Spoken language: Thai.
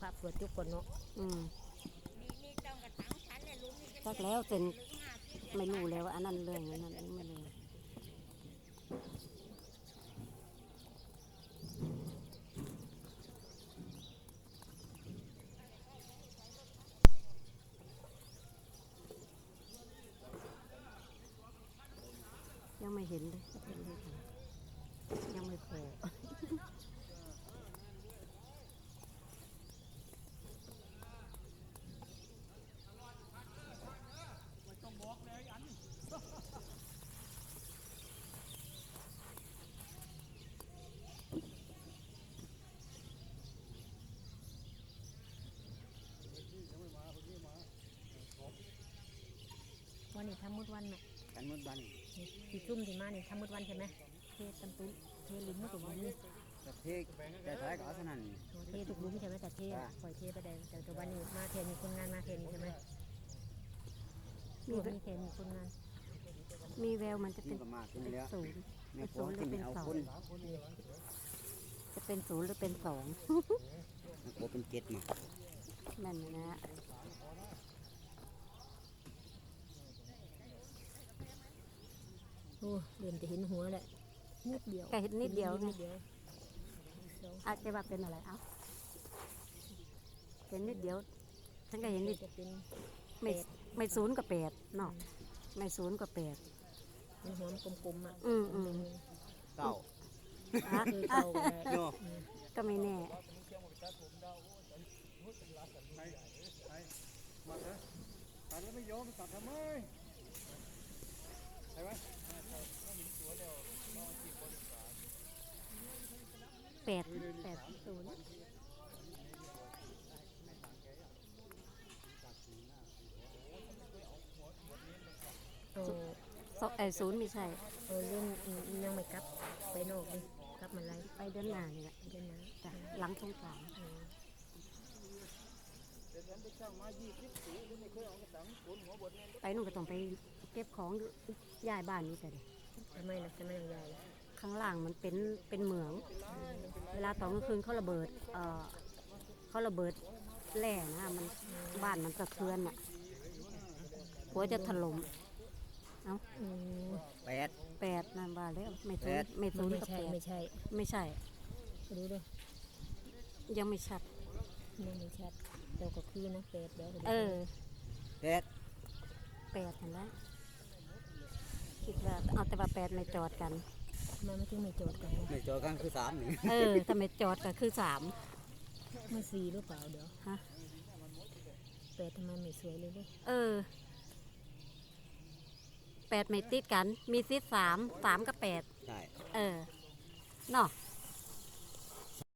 พระเปิดจุกก่อนเนาะจักแล้วเป็นไม่รู้แล้วอันนั้นเรื่องอันนั้นไม่รู้ยังไม่เห็นเลยยังไม่พอวันนี้ทำมืดวันน่ะกันมืดวันที่ชุ่มที่มานี่ทำมืดวันใช่ไหมเทตันตุ้เทลิ้มมาตุ่มนี่จะเทกแต่ท้ายก็เอาเท่านั้นเทตุกลุ้มใช่ไหมแต่เทปล่อยเทไปได้แต่วันนี้มาเทนมีคนงานมาเทนใช่ไหมมีเทนมีคนงานมีแววมันจะนี่เป็นก็มากขึ้นแล้วศูนย์แม่ของที่ไม่เอาคนจะเป็นศูนย์หรือเป็นสองแม่โคเป็นเจ็ดมานั่นนะโอ้เริ่มจะเห็นหัวแหละนิดเดียวแค่เห็นนิดเดียวไงนิดเดียวอาจจะว่าเป็นอะไรเอ้าเห็นนิดเดียวฉันก็เห็นนิดจะเป็นไม่ศูนย์กับแปดเนาะไม่ศูนย์กับแปดมันหัวมันกลมๆอ่ะเก้าอ่ะคือเก่าก็ได้โน่ก็ไม่แน่ตัดแล้วไม่ยอมตัดทำไมใช่ไหมแปดศูนย์ ศูนย์ไม่ใช่เรื่องยังไม่กลับไปนอกเลยกลับมาไรไปเดือนหน้านี่แหละเดินมาจ้ะหลังสงกรานต์ไปนู่นก็ต้องไปเก็บของย้ายบ้านนี่แต่ทำไมล่ะทำไมยังใหญ่ข้างล่างมันเป็นเหมือง เวลาตอนกลางคืนเขาระเบิดแร่นะมันบ้านมันสะเทือนอ่ะหัวจะถล่มเอ้าแปดนั่นว่าแล้วไม่แปศูนดย์ไม่ศูนย์กับแปดไม่ใช่ไม่ใช่รู้ด้วยยังไม่ชัดยังไม่ชัดเราก็คือนะเป็ดเดี๋ยวแปดแปดเห็นไหมคิดว่าเอาแต่ว่าแปดไม่จอดกันมาไม่ถึงไม่โจทย์กันไม่เจอกันคือสามนี่ถ้าไม่จอดก็คือสามไม่สี่หรือเปล่าเดี๋ยวฮะเป็ดทำไมไม่สวยเลยด้วยแปดไม่ติดกัน มีติดสามกับแปดใช่เนาะ